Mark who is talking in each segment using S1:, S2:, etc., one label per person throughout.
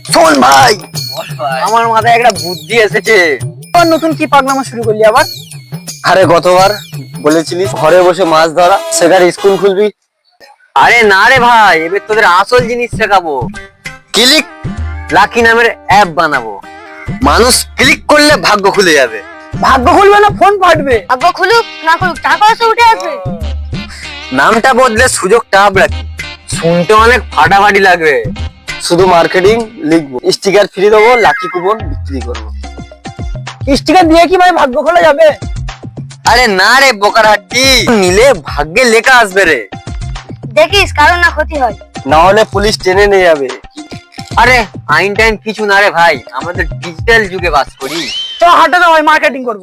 S1: শোন ভাই,
S2: বল ভাই।
S1: আমার মাথায় একটা বুদ্ধি এসেছে।
S3: আবার নতুন কি পাগলামো শুরু করলি আবার?
S1: আরে গতবার বলেছিলিস ঘরে বসে মাছ ধরা, সেখানে স্কুল খুলবি।
S2: আরে না রে ভাই, এবার তোদের আসল জিনিস শেখাবো।
S1: ক্লিক,
S2: লাকি নামের অ্যাপ বানাবো।
S1: মানুষ ক্লিক করলে ভাগ্য খুলে যাবে।
S3: ভাগ্য খুলবে না ফোন ফাটবে।
S4: ভাগ্য খুলুক না খুলুক টাকা পয়সা উঠে আসবে।
S2: নামটা বদলে সুযোগটা আপ রাখি। শুনতে অনেক ফাটাফাটি লাগবে।
S1: শুধু মার্কেটিং লিখবো, স্টিকার ফ্রি দেবো, লাকি কুপন বিক্রি করবো।
S3: স্টিকার দিয়ে কি ভাই ভাগ্য খোলা যাবে?
S2: আরে না রে বোকার হাড্ডি, নিলে ভাগ্যে লেখা আসবে রে।
S4: দেখিস কারো না ক্ষতি হয়।
S1: না হলে পুলিশ টেনে নিয়ে যাবে।
S2: আরে আইন টাইন কিছু না রে ভাই, আমাদের ডিজিটাল যুগে বাস করি।
S3: তো হাটে তো ভাই মার্কেটিং করবো।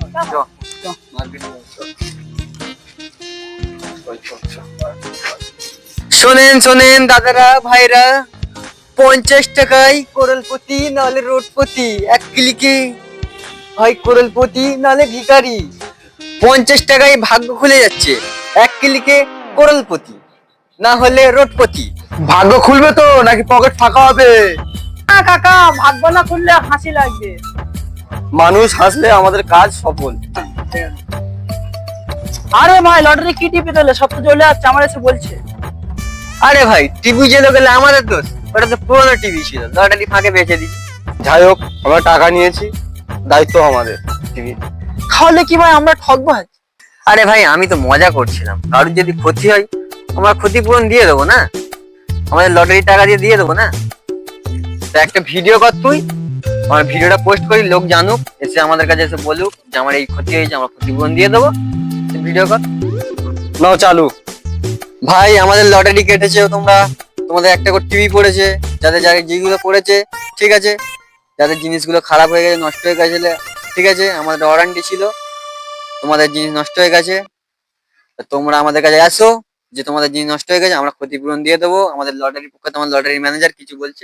S2: শোনেন শোনেন দাদারা ভাইরা, 50 টাকায় করলপতি নাহলে রোডপতি, এক ক্লিকে ভাই করলপতি নাহলে ভিখারি। 50 টাকায় ভাগ্য খুলে যাচ্ছে, এক ক্লিকে করলপতি না হলে রোডপতি।
S1: ভাগ্য খুলবে তো নাকি পকেট ফাঁকা হবে?
S3: না কাকা, ভাগ্য না খুললে হাসি লাগবে।
S1: মানুষ হাসলে আমাদের কাজ সফল।
S3: আরে ভাই লটারি কি টিপে দিলে সব তো চলে যাচ্ছে, আমার এসে বলছে।
S2: আরে ভাই টিভি জেলে গেলে আমাদের দোষ, ওটা তো পুরোনো টিভি ছিল, লটারি ফাঁকে বেঁচে দিচ্ছি।
S1: যাই হোক, আমরা টাকা নিয়েছি, দায়িত্ব আমাদের। টিভি
S3: তাহলে কি ভাই আমরা ঠকবো আজ?
S2: আরে ভাই আমি তো মজা করছিলাম, কারোর যদি ক্ষতি হয় আমরা ক্ষতিপূরণ দিয়ে দেবো না, আমাদের লটারি টাকা দিয়ে দিয়ে দেবো না। তো একটা ভিডিও কর তুই, আমার ভিডিওটা পোস্ট করি, লোক জানুক, এসে আমাদের কাছে এসে বলুক যে আমার এই ক্ষতি হয়েছে, আমরা ক্ষতিপূরণ দিয়ে দেবো। ভিডিও কর।
S1: নাও চালু।
S2: ভাই আমাদের লটারি কেটেছে, তোমরা তোমাদের একটা করে টিভি পড়েছে, যাদের যাদের যেগুলো পড়েছে ঠিক আছে, যাদের জিনিসগুলো খারাপ হয়ে গেছে নষ্ট হয়ে গেছে ঠিক আছে, আমাদের ওয়ারেন্টি ছিল, তোমাদের জিনিস নষ্ট হয়ে গেছে, তা তোমরা আমাদের কাছে আসো যে তোমাদের জিনিস নষ্ট হয়ে গেছে, আমরা ক্ষতিপূরণ দিয়ে দেবো। আমাদের লটারির পক্ষে তোমার লটারি ম্যানেজার কিছু বলছে।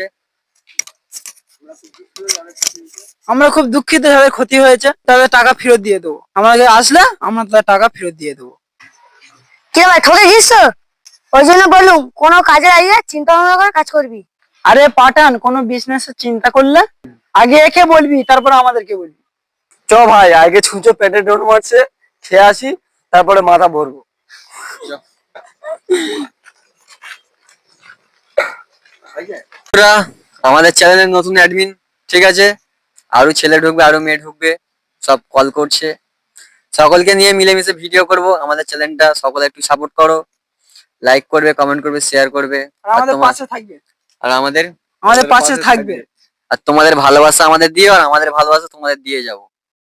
S3: আমরা খুব দুঃখিত, যাদের ক্ষতি হয়েছে তাদের টাকা ফেরত দিয়ে দেবো। আমাদের আসলে আমরা তাদের টাকা ফেরত দিয়ে দেবো।
S4: কি রে ভাই ঠকে গিয়েছ তো? ওই জন্য বললুম কোনো কাজের আগে চিন্তা ভাবনা করে কাজ করবি।
S3: আরে পাঠান, কোনো বিজনেস চিন্তা করলে আগে একে বলবি, তারপর আমাদেরকে বলবি।
S1: চ ভাই, আগে ছুঁচো পেটে ডোর মারছে, খেয়ে আসি, তারপরে মাথা ভরবো।
S2: তোরা আমাদের চ্যানেলের নতুন অ্যাডমিন ঠিক আছে, আরো ছেলে ঢুকবে আরো মেয়ে ঢুকবে, সব কল করছে, সকলকে নিয়ে মিলেমিশে ভিডিও করব। আমাদের চ্যানেলটা সকলে একটু সাপোর্ট করো, লাইক করবে, কমেন্ট করবে, শেয়ার করবে,
S3: আর আমাদের
S2: তোমার-
S3: পাশে থাকবে।
S2: আর আমাদের
S3: আমাদের পাশে থাকবে।
S2: আর তোমাদের ভালোবাসা আমাদের দিও, আর আমাদের ভালোবাসা তোমাদের দিয়ে যাবো।